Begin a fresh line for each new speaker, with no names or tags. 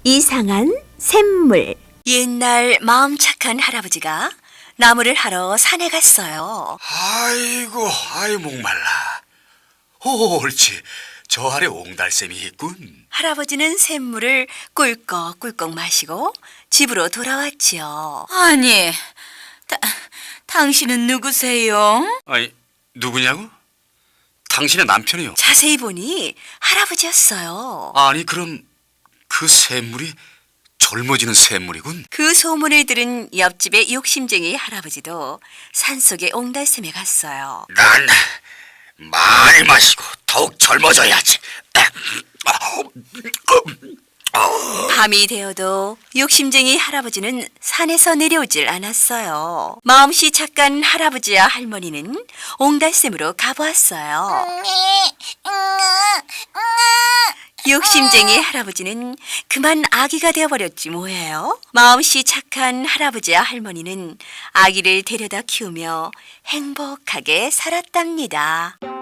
이상한 샘물.
옛날 마음 착한 할아버지가 나무를 하러 산에 갔어요.
아이고, 아이 목말라. 오, 옳지. 저 아래 옹달샘이 있군.
할아버지는 샘물을 꿀꺽꿀꺽 마시고 집으로 돌아왔지요.
아니, 당신은 누구세요?
아니, 누구냐고? 당신의 남편이요.
자세히 보니 할아버지였어요.
아니, 그럼 그 샘물이 젊어지는 샘물이군.
그 소문을 들은 옆집의 욕심쟁이 할아버지도 산속의 옹달샘에 갔어요.
난 많이 마시고 더욱 젊어져야지.
밤이 되어도 욕심쟁이 할아버지는 산에서 내려오질 않았어요. 마음씨 착한 할아버지와 할머니는 옹달샘으로 가보았어요. 욕심쟁이 할아버지는 그만 아기가 되어버렸지 뭐예요. 마음씨 착한 할아버지와 할머니는 아기를 데려다 키우며 행복하게 살았답니다.